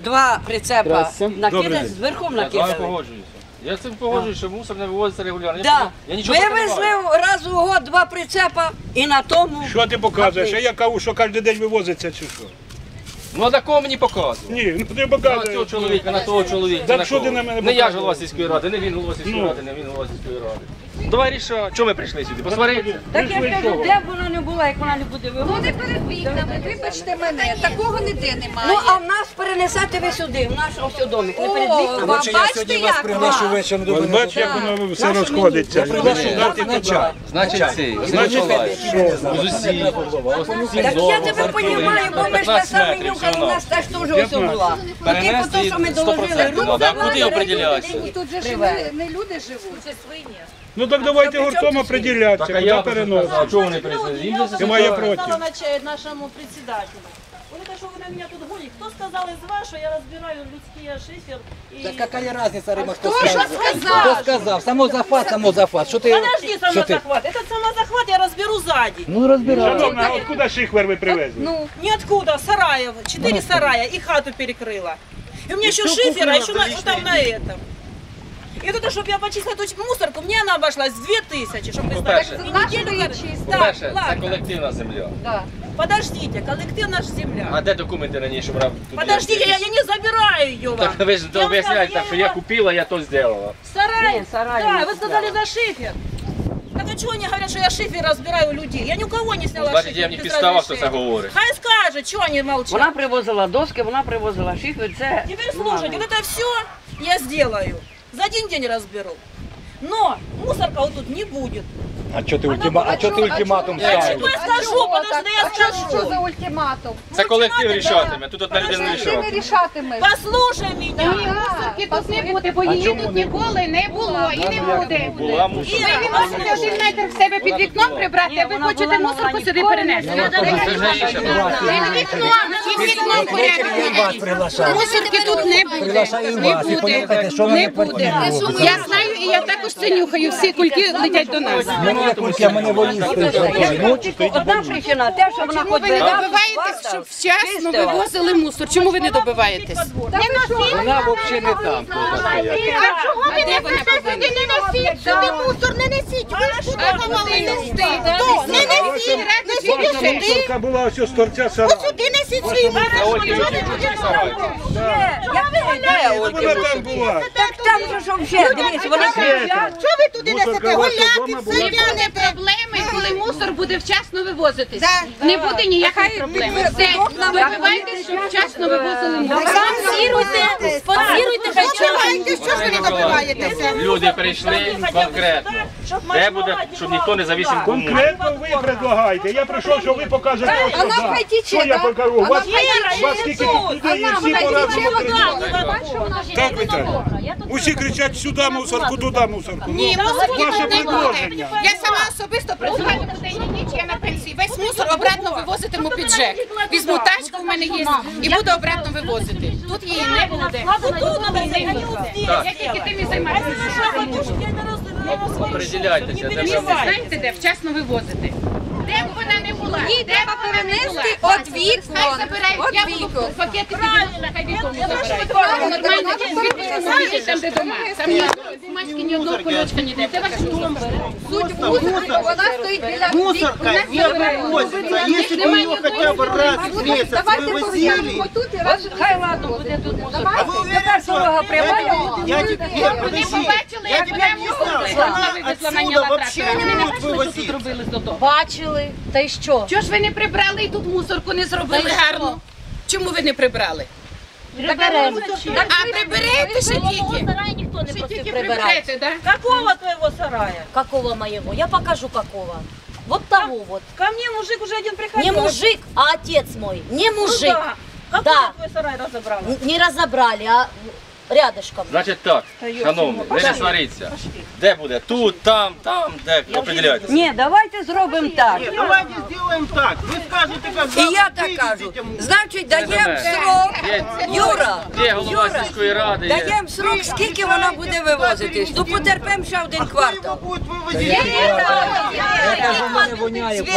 2 прицепа Здравствуйте. накидати, зверху Я накидали. погоджуюся. Я з цим погоджуюся, що мусор не вивозиться регулярно. Да. Я нічого проти не Вивезли маю. раз у год 2 прицепа і на тому... Що ти показуєш? А я кажу, що кожен день вивозиться чи що? Ну а на кого мені показувати? Ні, ну ти На цього показуєш. чоловіка, на того чоловіка. Так на що ти кого? на мене Не я ж показуєш? голова сільської ради, не він голова сільської ради, не він голова сільської ради. Давай рішай, чого ми прийшли сюди? Посваритися? Так я кажу, де б вона не була, як вона не буде Ну вивозити. не перед вікнами, вибачте мене, такого ніде немає. Ну, а в нас перенесете ви сюди, в наш ось домик, не перед вікнами. Бачите, як вечором Ось бачиш, як воно все розходиться. Значить цей, Миколаїв. З усіх. Так я тебе розумію, бо ми ж те саме нюхали, у нас теж теж ось була. Ну, типу, то, що ми доложили, руку Куди определяється? тут же ж не люди живуть, це свині. Ну так давайте гуртом определятися, Так, а куди я переносити. а чого вони прийшли? Їм же Немає це проти. Сказала нашему председателю. Говорит, что вы на меня тут гоните? Кто сказал из вас, что я разбираю людские шифер и... Да какая разница, Рима, кто Хто ж сказал? сказав? Кто сказал? Самозахват, самозахват. Что ты? Подожди, Что ты? самозахват. Этот самозахват я разберу сзади. Ну разбирай. Шановна, а откуда шихвер ви привезли? Ну, Ниоткуда, сараев, 4 сарая и хату перекрыла. И у меня еще шифера, еще там на этом. И вот это, чтобы я почистила эту мусорку, мне она обошлась 2000, чтобы вы знали. По-перше, И нашу неделю її как- чистити. Так, По-перше, це ладно. колективна земля. да. Подождите, коллектив наша земля. А де документи раніше, щоб тут Подождите, я не забираю ее вам. Так ви ж Я вам об'ясняєте, сказала, так, що я его- купила, я то зробила. Сарай? Не, сарай Да, не вы сказали за шифер. Так а чего они говорят, что я шифер разбираю у людей? Я ни у кого не сняла Значить, шифер. я в них без підстава, хто це разрешения. говорить. Хай скажет, чего они молчат. Вона привозила доски, вона привозила шифер, це... Теперь слушайте, вот это все я сделаю. За один день разберу. Но мусорка вот тут не будет. А что ты ультиматум Я ставишь? чего я скажу, подожди, я А що скажу. за ультиматум? Це колектив рішатиме, тут одна людина не Ти не рішатиме. рішатимеш. Послушай меня. Мусорки тут не буде, бо її тут ніколи не було і не буде. Була мусор. Ви не можете 1 метр в себе під вікном прибрати, а ви хочете мусорку сюди перенести. Це ж не інше. Під вікном порядок. Приглашаю. Мусорки тут не буде. Приглашаю Не вас і буде. поїхати, що Не мене буде. квартиру. Я знаю і я також це нюхаю. Всі кульки летять до нас. Мене кульки, мене волісти. Одна причина, те, що вона Чому хоч ви не би раз добиваєтесь, щоб вчасно чистила. вивозили мусор? Чому ви не добиваєтесь? Вона взагалі не там. А чого ви не повинні? Не носіть сюди мусор, не несіть. Ви ж куди мали нести? Хто? Не несіть, несіть сюди. Мусорка була ось з торця сара. Сюди несіть свої мусор. Вона там була. Так там же ж взагалі, дивись, вони кричать. Що ви туди Мусорка несете? у вас Голяки, вдома була? все п'яне проблеми, коли мусор буде вчасно вивозитись. Не буде ніякої проблеми. Все, добивайтесь, щоб вчасно вивозили мусор. Спонсируйте, Що ж ви не добиваєтеся? Люди прийшли конкретно. Де буде, щоб ніхто не завісив кому. Конкретно ви предлагаєте. Я прийшов, що ви покажете. ось Вона сюди. хай тече, Що я так? покажу? У вас скільки тут людей і всі по-разному кричать. Так ви так? Усі кричать сюди мусорку, туди мусорку. Ні, мусорки Ваше тут не буде. предложення. Я сама особисто працюваю на день і ніч, я на пенсії. Весь мусор обратно вивозитиму під ЖЕК. Візьму тачку, у мене є, і буду обратно вивозити. Тут її не буде. Я тільки тим і займаюся. Определяйтеся, де Місце ви. знаєте, де вчасно вивозити. Де б вона не була, Ні, де треба б вона не була. перенести от вікон. Хай забирають, От я буду вікон. пакети підвозити, хай вікон забирають. Нормально, звідти там, де дома. Там ні одного бумажки, ні одного кульочка ніде. Це ваш дом. Суть мусорки, вона стоїть біля Мусорка не вывозится. Если бы ее хотя бы раз в месяц Давайте вывозили, поглянемо тут і раз. Хай ладно, буде тут мусор. а вы уверены, что дорога прямая, я теперь, Вони подожди, побачили, я як тебе прямо объяснял, что она вивезла, отсюда наняла вообще трактора. Вони не не будут бачили, що тут вывозить. робили з додому. Бачили, та й що? Чого ж ви не прибрали і тут мусорку не зробили гарно? Чому ви не прибрали? Приберемо. А приберете ще тільки? Сарай ніхто не Ще просив тільки прибирати. приберете, так? Какого твоего сарая? Какого моего? Я покажу какого. Вот того вот. Ко мне мужик уже один Не приходил. мужик, а отец мой. Не Ну мужик. да. Какой Да. твой сарай разобрала? Не разобрали, а рядышком. Значить так, шановні, ви не сваріться. Де буде? Тут, там, де определяйтеся. Ні, давайте зробимо так. Нет, давайте сделаем так. Вы скажете, как І я завтра так кажу. вывезете мусор. Значить, даємо срок. Юра, Є голова сільської ради, є. даємо срок, скільки вона буде вивозитись. Ну потерпимо ще один Кто его квартал. будет вывозить? Це ж мене воняє Ну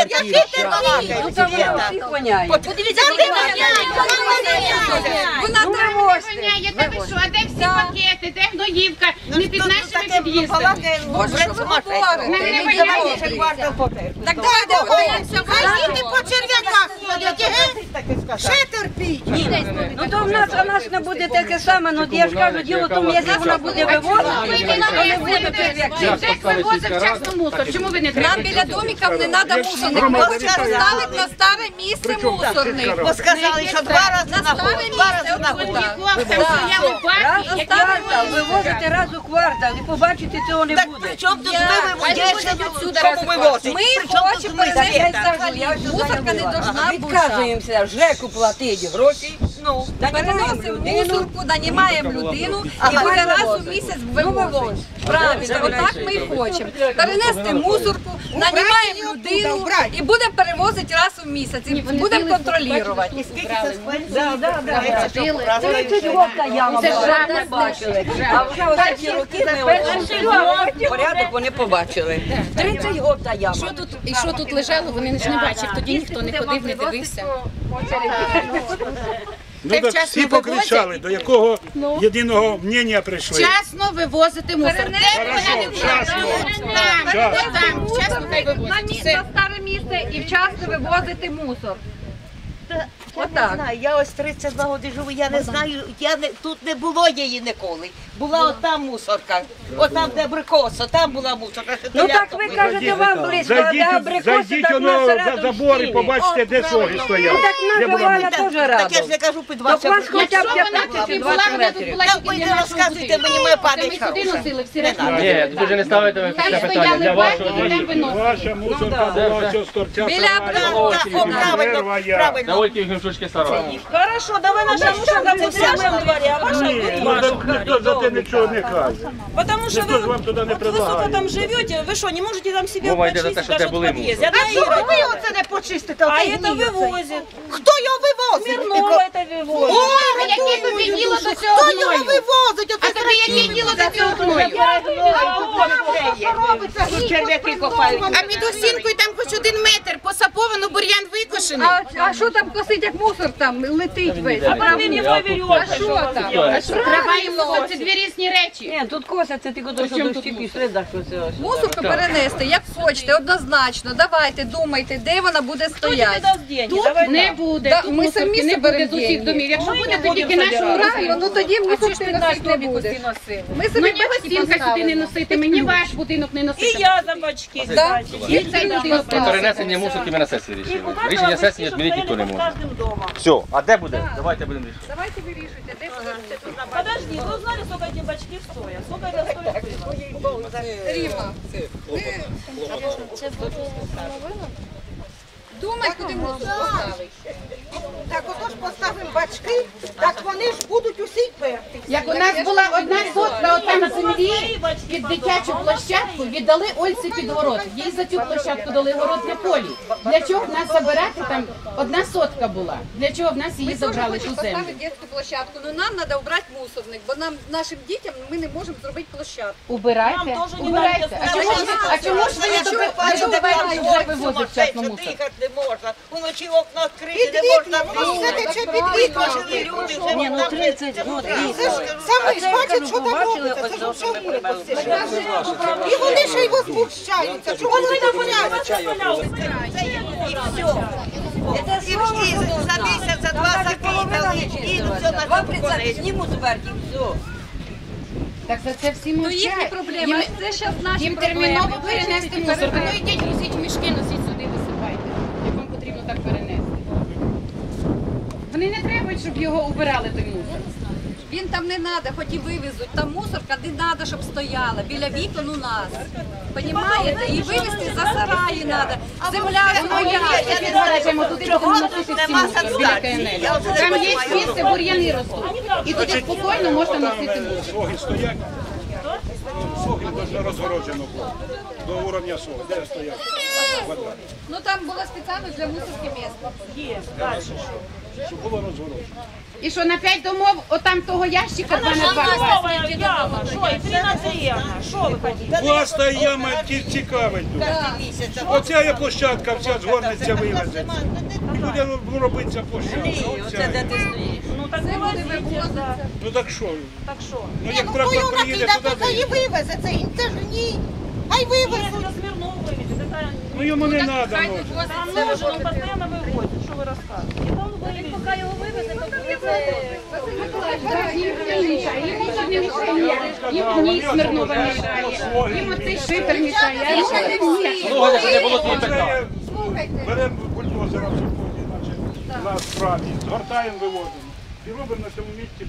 квартира. там вона всіх воняє. Вона Ну вивозьте. воняє, та ви що, а де всі пакети, де гноївка, не під нашими під'їздами. Боже, що ви говорите? Нам не воняє. Так давайте боїмося. Хай діти по черв'яках ходять, ще терпіть. Ну то в нас не буде таке саме, ну я ж кажу, діло в тому, якщо вона буде вивозити, то не буде черв'яків. Джек вивозив вчасно мусор, чому ви не Нам треба? біля домиків не треба мусорник. Поставить на старе місце мусорник. Бо сказали, що два рази знаходить. Раз у квартал, вивозити раз у квартал і побачити цього не буде. Чому тут ми вивозимо? Ми хочемо перенести взагалі. Мусорка не должна бути. Відказуємося ЖЕКу платити гроші. Переносимо мусорку, нанімаємо людину і буде раз у місяць вивозимо. Правильно, отак ми і хочемо. Перенести мусорку, нанімаємо людину і будемо перевозити раз у місяць. І будемо контролювати. 30 років та яма була, не бачили. А вже останні роки ми порядок вони побачили. 30 років та яма. І що тут лежало, вони ж не бачили, тоді ніхто не ходив, не дивився. Ну так всі покричали, до якого єдиного мнення прийшли. Вчасно вивозити мусор. Хорошо, вчасно. Там, вчасно хай вивозить. Все. На старе місце і вчасно вивозити мусор. Я не знаю, я ось 32 роки живу, я не знаю, тут не було її ніколи. Була отам мусорка, отам де абрикоса, там була мусорка. Ну так ви кажете, вам близько, а де абрикоси, Зайдіть так воно на за середину забор і стіни. побачите, де соги стоять. Ну так Де наша була Валя теж Так я ж рада. не кажу під Так у вас хоча б Якщо вона тут і була, 15-20 вона тут метрів. була Так тільки ви для не нашого розказуйте будинку. мені, моя Це пам'ять ми сюди хороша. носили, всі решта. Ні, тут вже не ставите ви Там це питання. стояли Для вашого баки, там виносили. Ваша мусорка була ось з торця Біля Правильно, Первая. правильно. На Ольки Гімшучки сарай. Хорошо, давай наша мусорка це в нашому дворі, а ваша Ні, в ну вашому так ніхто за те нічого не каже. Потому что Ніхто ж вам туди не вот вы сколько предлагає. там живете, вы что, не можете там себе Мова йде за те, почистить що даже це в були подъезде? мусор. Одна Ира делает. Оце не почистите, А это вывозит. Хто його вивозить? Смирнова это вывозит. А яке тобі діло до цього Хто його гною? вивозить? А тобі яке діло до цього гною? Черв'яки копають. А під осінкою там хоч 1 метр посаповано, бур'ян викошений. А що там косить, як мусор там летить весь? А вы мне проверете. Що там? Трава і мусор – це дві різні речі. Ні, тут косяться тільки до що дощі пішли, так що це ось. Мусорку перенести, як хочете, однозначно. Давайте, думайте, де вона буде Кто тебе стояти. даст деньги? Тут Давай не так. буде, Да, тут ми мусорки самі не соберемо буде з усіх деньги. домів. Якщо Ми буде, не то тільки будемо нашого собирати. Правильно, ну тоді мусорки носити не буде. Ми собі Мені бачки гостинка сюди не поставимо. носити, мені ваш будинок не И носити. я за бачки. Да. І цей будинок Про не перенесення мусорки ми на сесії рішили. Рішення сесії змінити ніхто не може. Все, а де буде? Давайте будемо рішити. Давайте вирішуйте, де будете тут. Подожди, вы узнали, сколько эти бачки стоят? Сколько это стоит было? Рівно. Думай, куди мусор поставити. Так отож поставимо бачки, так вони ж будуть усі перти. Як у нас була 1 сотка отам землі під дитячу площадку, віддали Ольці під город. Їй за цю площадку дали город для полі. Для чого в нас забирати там 1 сотка була? Для чого в нас її Ми теж забрали хочемо ту землю? поставити дитячу площадку, але нам треба обрати мусорник, бо нам, нашим дітям ми не можемо зробити площадку. Убирайте, Нам теж не убирайте. надо. А чому ж ви не добиваєте вже вивозити вчасно мусор? Дихати не можна, уночі окна відкриті, не можна дихати. Ні, ну 30 років. Саме ж бачать, що там робиться, це ж все І вони ще й возмущаються. Чому вони не бояться? І за місяць, за 2 закидали, і все на Вам цьому прицеп конець. знімуть зверху, все. Так за це всі Ну їхні мовчать. проблеми, а це зараз наші Їм проблеми. терміново перенести мусор. Ну йдіть, носіть мішки, носіть сюди, висипайте. Як вам потрібно так перенести. Вони не требують, щоб його убирали, той мусор. Він там не треба, хоч і вивезуть. Там мусорка не треба, щоб стояла. Біля вікон у нас. Понімаєте? І вивезти за сараї треба. Земля своя. Ми залежимо туди, будемо носити всі мусор біля КНЛ. Там є місце, бур'яни ростуть. І туди спокійно можна носити мусор. Соги стоять. Соги дуже розгороджено було. До уровня соги. Де стоять? Квадрат. Ну там було спеціально для мусорки місце. Есть, дальше. Щоб було розгороджено. І що на 5 домов, отам того ящика 2 на 2. Новая яма, что, и 13 евро. Что вы хотите? Власна яма цікавить тут. Оця є площадка, вся згорнеться, вивезеться. І буде робитися площадка. Оця. так вивозите, да. Ну так що? Так що? Ну Ні, як ну трактор хто приїде накидав, туди, то хай і вивезе це, це ж ні. Хай вивезе. Если Смирнов вывезет, это... ну йому не треба. Там нужен, он постоянно вывозит, что вы рассказываете. И он вывезет. Пока его вывезет, то Їм ні Смирнова мішає, їм оцей шифер мішає. Слухайте, що не було тієї питання. Беремо бульдозера в сьогодні, значить, на справі, згортаємо, виводимо. І робимо на цьому місці.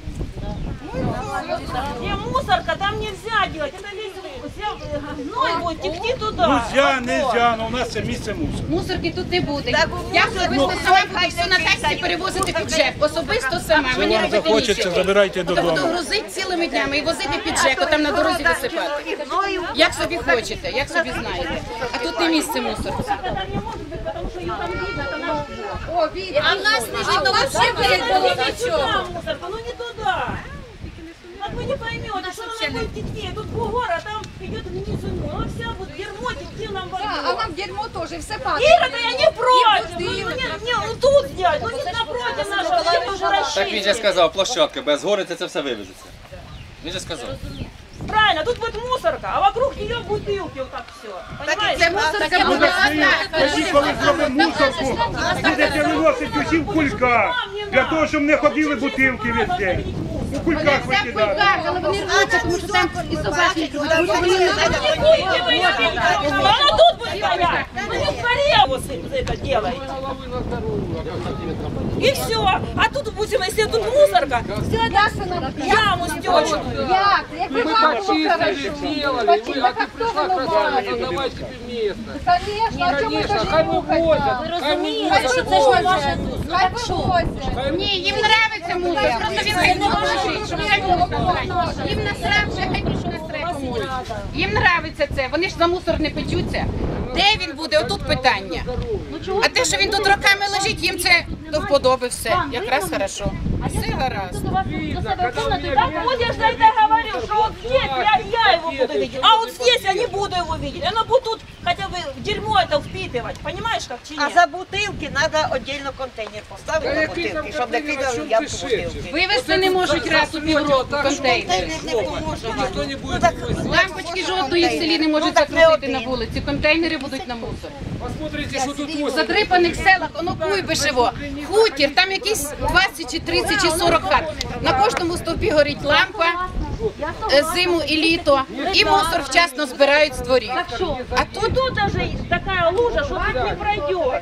Не, мусорка там нельзя делать, это весь гной будет текти туда. Нельзя, але у нас це місце мусор. Мусорки тут не буде. Я особисто сама буду все на таксі перевозити під ЖЕК. Особисто сама, Це мені вам робити захочеться, нічого. забирайте Буду додому. грузити цілими днями і возити під ЖЕК, там на дорозі висипати. Як собі хочете, як собі знаєте. А тут не місце мусорці. А в нас не видно вообще передало нічого. Мусорка, ну не туда. Вот вы не поймете, что она будет текти. Тут бугор, а там идет вниз. Она вся будет дерьмо текти нам во А нам дерьмо тоже, все падает. Ира, да я не против. Ну тут сделать, ну не напротив нашего, все тоже Так він же расчистить. сказав, площадка, без гори це все вивезеться. Він же сказав. Правильно, тут будет мусорка, а вокруг нее бутылки, вот так все. Понимаете? Це мусорка буде Тоді, коли зробимо мусорку, будете виносити усі в кульках, для того, щоб не ходили бутилки весь день. У кульках викидати. але вони рвуться, тому що там і собаки. Она тут будет стоять. Ну не в коре вот это делаете. И все. А тут, допустим, если тут мусорка, яму стечную. Як ви бабушку хорошо. Почему? А хто винуватий? Давайте тебе место. Конечно, а чому Конечно, хай вывозят. Ви розумієте, що це ж не ваше тут. Ну так що? Ні, їм нравиться мусор, просто він не може, щоб це було погані. Їм насрав, вже хай більше насрав комусь. Їм нравиться це, вони ж за мусор не печуться. Де він буде? Отут питання. А те, що він тут роками лежить, їм це до вподоби все. Якраз хорошо. Все гаразд. Вот я же тогда говорил, что вот здесь я его буду видеть, а вот здесь я не буду его видеть. Оно будет тут хотя бы дерьмо это впитывать, понимаешь, как чи А нет? за бутилки треба віддільно контейнер поставити на бутилки, щоб не кидали в ямку бутилки. Вивезти не можуть раз у півроку контейнери. Не поможе. Никто не будет вывозить. Лампочки жодної в селі не можуть закрутити на вулиці, контейнери будуть на мусор. Посмотрите, что тут В возят. задрипаних селах, воно Куйбишево, хутір, там якісь 20 чи 30 чи 40 хат. На кожному стовпі горить лампа, зиму і літо, і мусор вчасно збирають з дворів. А тут Тут даже такая лужа, что тут не пройдешь.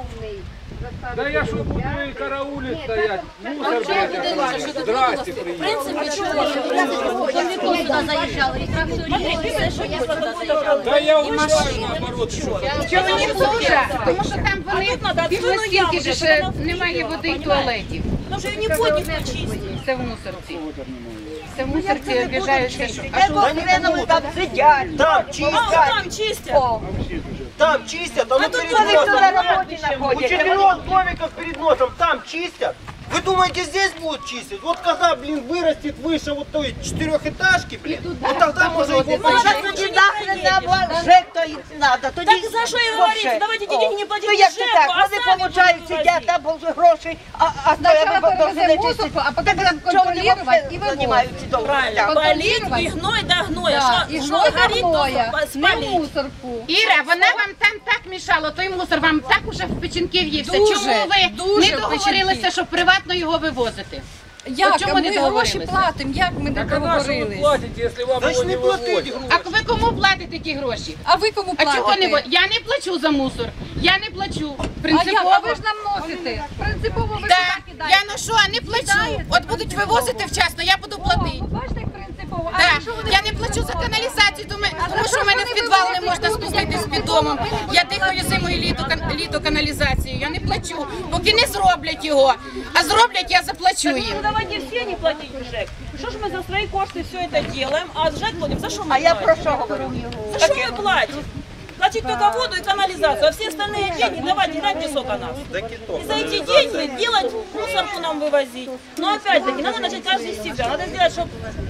Да я что буду и караулить стоять. Мусор, блядь, здрасте, В приехал. принципі, чого? Вони сюди заїжджали, і тракторі, і все, що є, сюди заїжджали. Да я улучшаю наоборот. Что? чого не лужа, тому що там вони пішли стільки ж, що немає води і туалетів. Потому что ее не будет никто чистить. Це в мусорці. Це в мусорці обіжаються. Там сидять, там А вот чистять. там чистят. Там чистят, а А ну тут перед вони хто на носом. роботі У знаходяться. 4 домиков перед носом там чистят. Вы думаете, здесь будут чистить? Вот когда, блин, вырастет выше вот той четырехэтажки, блин, вот тогда можно его Ну, почистить. так тоді нахрен нам ЖЕК то й надо. Тоді Так за що і говорите? вообще. Давайте О. деньги не платити Ну як це ЖЕКу, так? а Вони самі получають, будуть сидять, там були гроші, а Сначала стоять, перевезем мусорку, а потом будем контролировать и займають ці довго. Правильно. Полить и гной до гноя. Да, і гной до гноя, то не спалить. мусорку. Іра, вона вам там так мішала, той мусор вам так уже в печінки в'ївся. Дуже, Чому ви дуже не в договорилися, печінки. щоб приватно його вивозити? Як? От чому Ми не гроші договорилися? платимо, як ми не Так а на что вы договорились? платите, если вам его Значит, не не платить вывозят? грубо. А ви кому платите ті гроші? А ви кому А чого не платите? Я не плачу за мусор. Я не плачу. А як? Принципово. А ви ж нам носите. Принципово ви Так, сюди кидаєте. я ношу, а не плачу. От будуть вивозити вчасно, я буду платити. Ви бачите, як принципово. А Так, якщо вони я не плачу за каналізацію, тому що в мене в підвал не можна спуститись під домом. Я дихаю зиму і літо каналізацію. Я не плачу, поки не зроблять його. А зроблять, я заплачу Ну їм. давайте все не платить ЖЭК. Что ж мы за свои кошты все это делаем, а ЖЭК платим? За что мы А я платим? про що говорю? За что мы платим? платить только воду и канализацию, а все остальные деньги давайте, гляньте, сколько нас. И за эти деньги делать мусорку нам вывозить. Но опять-таки, надо начать каждый с себя. Надо сделать, чтобы...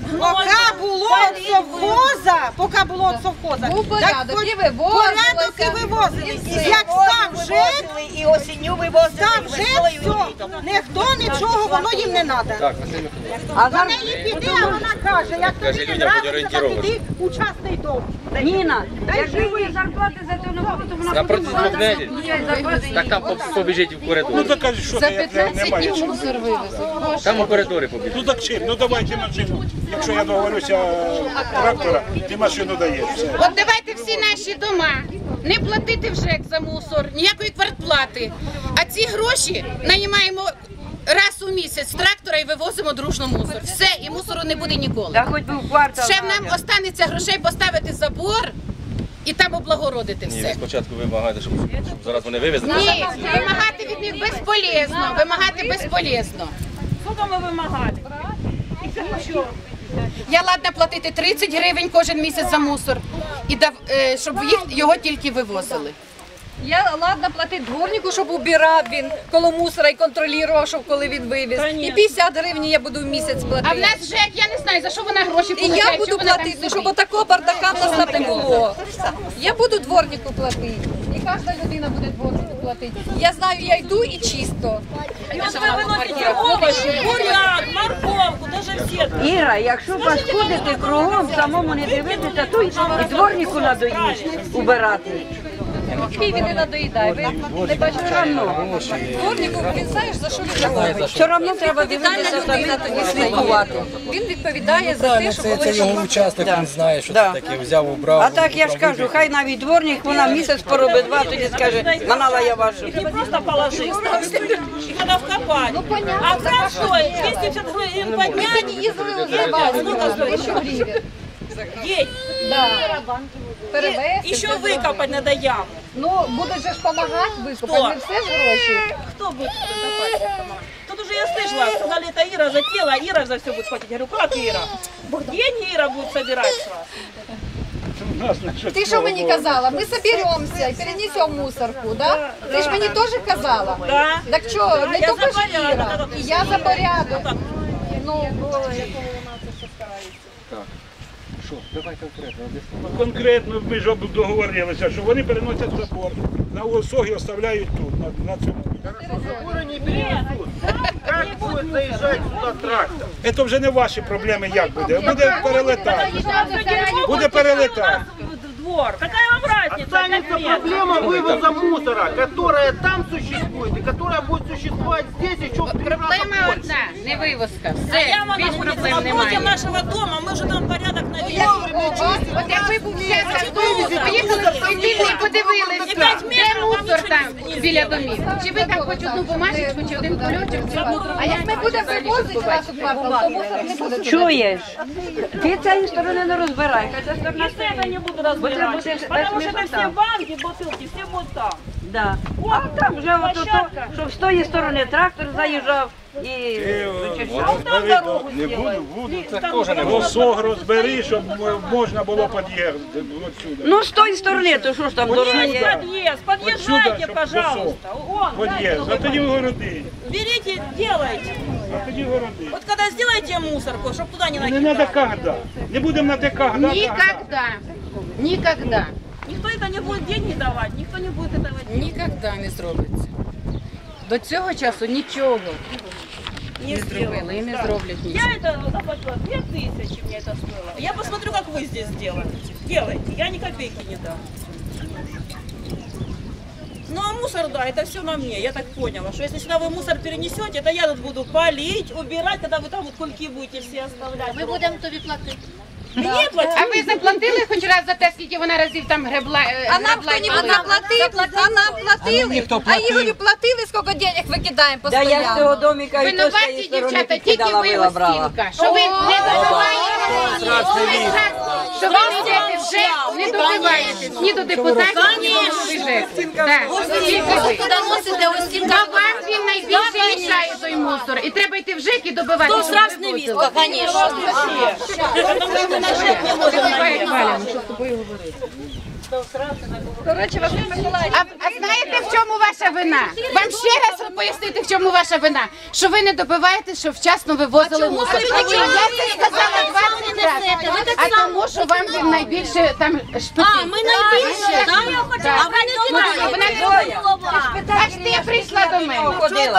Поки було від совхоза, Був порядок, і вивозили. Як став жит, І осінню вивозили. став жит, все, ніхто нічого, воно їм не треба. Так, До неї піди, а вона каже, як тобі не людям будь нравиться, так іди у частний дом. Ніна, якщо ви зарплати за це не буде, то вона напроти 2 неділь. Так там побіжить в коридор. Ну так кажуть, що За я 15 немає днів чим. мусор вивезуть. Там у коридорі побіжить. Ну так чим? Ну давайте машину. Якщо я договорюся трактора, ти машину даєш. Все. От давайте всі наші дома не платити в ЖЕК за мусор, ніякої квартплати. А ці гроші наймаємо раз у місяць з трактора і вивозимо дружно мусор. Все, і мусору не буде ніколи. Та хоч би в квартал. Ще нам останеться грошей поставити забор і там облагородити Ні, ви все. спочатку вимагаєте, щоб зараз вони вивезли. Ні, вимагати від них безполезно, вимагати безполезно. Сколько мы вымогали? Я ладна платити 30 гривень кожен місяць за мусор, і щоб його тільки вивозили. Я ладно платити дворнику, щоб убирав він коло мусора і контролював, щоб коли він вивіз. І 50 гривень я буду в місяць платити. А в нас ЖЕК, я не знаю, за що вона гроші І получає. я буду платити, щоб отакого бардака в нас там не було. Я буду дворнику платити. І кожна людина буде дворнику платити. Я знаю, я йду і чисто. И вот вы выносите овощи, буряк, морковку, даже все. Іра, якщо паскудити кругом, самому не дивитися, то і дворнику надоїть убирати. Він не надоїдає. Ви не бачите равно. Дворнику, він знаєш, за що він робить. Все одно треба дивитися і слідкувати. Він відповідає за те, що Це коли його участок, він знає, що Да. це таке, взяв, убрав. А так я ж кажу, хай навіть дворник, вона місяць поробить, 2, тоді скаже, манала я вашу. Не просто положить, их надо вкопать. А кран стоит 250 гривен поднять. Сколько стоит? День. перевезти. Еще выкопать надо яму. Ну, будуть же ж допомагати викопати, Хто? не все ж гроші. Кто будет копать? Тут уже я слышала, сказали, это Ира затеяла, а Ира за все будет платить. Я говорю, как Ира? Деньги Ира будет собирать сразу. Ти що мені казала? Ми соберемося і перенесемо мусорку, да? Ти ж мені теж казала. Да. Так що, не Я тільки за ж порядок. Іра. І я за порядок. Ну, Що, давай конкретно. Конкретно ми ж договорилися, що вони переносять забор, на осогі оставляють тут, на цьому. Заборы не перенесут. Как будет заезжать сюда трактор? Це вже не ваші проблеми, як буде. Буде перелетати. Буде перелетати. Двор. Какая вам разница? Останется как метр? проблема вывоза мусора, которая там существует и которая будет существовать здесь еще в 3 раза Проблема больше. одна, не вивозка. А Все, яма більш находится проблем напротив немає. нашего дома, мы уже там порядок навели. От якби був час автобус, поїхали в Сойдільний і подивилися, де мусор там біля домів. Чи ви там хоч одну бумажечку, чи один кульочок? а як ми будемо вивозити нашу квартиру, то мусор не буде. Чуєш? Ти цієї сторони не розбирай, хай ця сторона Если это не буду разбирать, потому что это все банки, бутылки, все будут там. Да. А там вже от то, щоб з тої сторони трактор заїжджав і Там дорогу Не буду, буду. Це теж не можна. Осог розбери, щоб можна було під'їхати отсюди. ну з тої сторони, то що ж там дорога Есть є? подъезд, подъезжайте, щоб пожалуйста. Вон, Під'їзд, а тоді в городи. берите, делайте. А тоді в городи. Вот когда сделаете мусорку, чтобы туда не Не треба накидать. когда. Не будемо на те когда. Нікогда. Нікогда. Никто это не будет деньги давать, никто не будет этого делать. Нікогда не зробиться. До цього часу нічого не зробили і не зроблять Я нічого. это заплатила 2000, мне это стоило. Я посмотрю, как вы здесь делаете. Делайте, я ни копейки не дам. Ну а мусор, да, это все на мне, я так поняла, что если сюда вы мусор перенесете, это я тут буду полить, убирать, когда вы там вот кульки будете все оставлять. Ми будемо тобі платити. Мне платить? А ви заплатили хоч раз за те, скільки вона разів там гребла? А нам хто-нибудь заплатив? А нам платили? ніхто А платив. Ігорю платили, скільки денег викидаємо Да я з постійно? цього домика і то з цієї Винуваті, сторони дівчата, тільки підкидала, ви вила брала. Остінка, що ви не добиваєте, що ви не йдете в ЖЕК, не добиваєтесь ні до депутатів, ні до голови ЖЕКу. Так, тільки ви. Куди носите ось ці Бо вам він найбільше мішає той мусор. І треба йти в ЖЕК і добивати. Хто срав з невістка, звісно. Потому что на ЖЭК не можем наехать. Валя, ну що з тобою говорити? Коротше, Василь Миколаївич. А знаєте, в чому ваша вина? Вам ще раз пояснити, в чому ваша вина? Що ви не добиваєтесь, щоб вчасно вивозили мусор. Я це сказала 20 разів. А тому, що вам він найбільше там шпитить. А, ми найбільше, так? А ви не кидаєте. Аж ти прийшла до мене.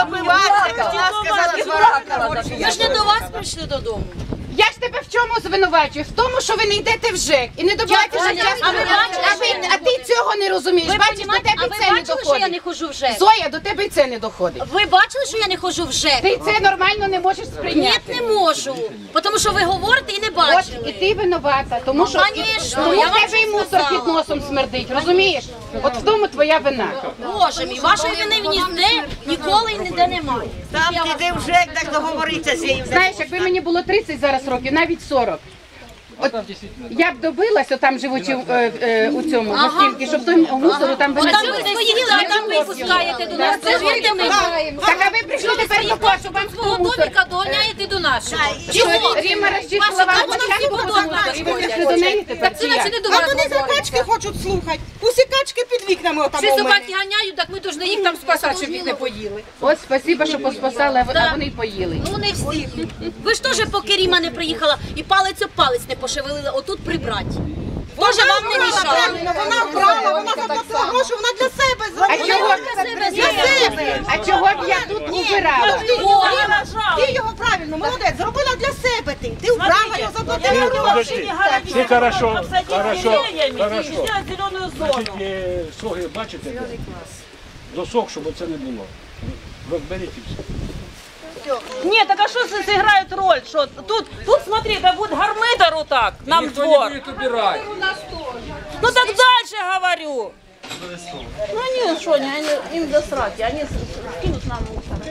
Ми ж не до вас прийшли додому. Я ж тебе в чому звинувачую? В тому, що ви не йдете в ЖЕК і не добуваєте життя. А ти цього не розумієш. Бачиш, до тебе А ви це не бачили, що я не доходить. ходжу в ЖЕК? Зоя, до тебе і це не доходить. Ви бачили, що я не ходжу в ЖЕК? Ти це нормально не можеш Ні, сприйняти. не можу. Тому що ви говорите і не От і бачили. ти винувата, тому що Конечно, тому я в вам тебе і це мусор сказала. під носом смердить, розумієш? От в тому твоя вина. Боже мій, вашої вини ніде ніколи і ніде немає. Там піди вже, так договориться з нею. Знаєш, якби мені було 30 зараз років, навіть 40. От я б добилася, там живучи у цьому гостинці, щоб той мусору там От там ви виносили. свої діла, там ви пускаєте до нас. Повірте мені. Так, а ви прийшли тепер до того, щоб вам Свого свого мусор. доміка доганяєте до нашого. Чого? Ріма розчистила вам площадку під мусор, і ви прийшли до неї тепер, Так чи це наче як? не до вас говориться. Собачки хочуть слухати. Усі качки під вікнами отам Всі у мене. собаки ганяють, так ми повинні їх там спасати, щоб їх не поїли. От, спасибо, що поспасали, а вони й поїли. Ну не всі. Ви ж теж поки Ріма не приїхала і палець об палець не пошевелили, отут прибрати. Тоже вам не мішало. Вона вкрала, вона заплатила гроші, вона для себе зробила. А чого б я тут убирала? Ти його правильно, молодець, зробила для себе ти. Ти вбрала його, заплатила гроші. Подожди, все хорошо, хорошо. Зеленую зону. Значить, соги бачите? Досок, щоб оце не було. Розберіть і все. Ні, так а що це зіграє роль? Що тут смотри, да буде гармидер отак, нам Ніхто не двор. буде убирати. Ну так дальше говорю. Ну ні, що, їм до сраки, вони скинуть нам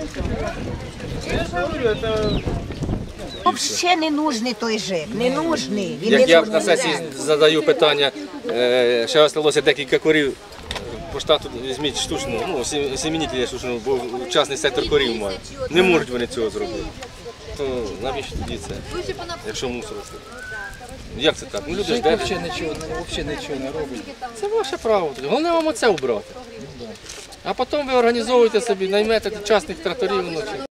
Взагалі не нужний той ЖЕК, не нужний. Він Як не я нужний. на сесії задаю питання, ще осталося декілька корів, по штату візьміть штучну, ну, семенителя штучну, бо частний сектор корів має. Не можуть вони цього зробити. То навіщо тоді це, якщо мусор? Як це так? Ну, люди ж держать. Взагалі нічого не робить. Це ваше право. Головне вам оце убрати. А потім ви організовуєте собі, наймете частних тракторів вночі.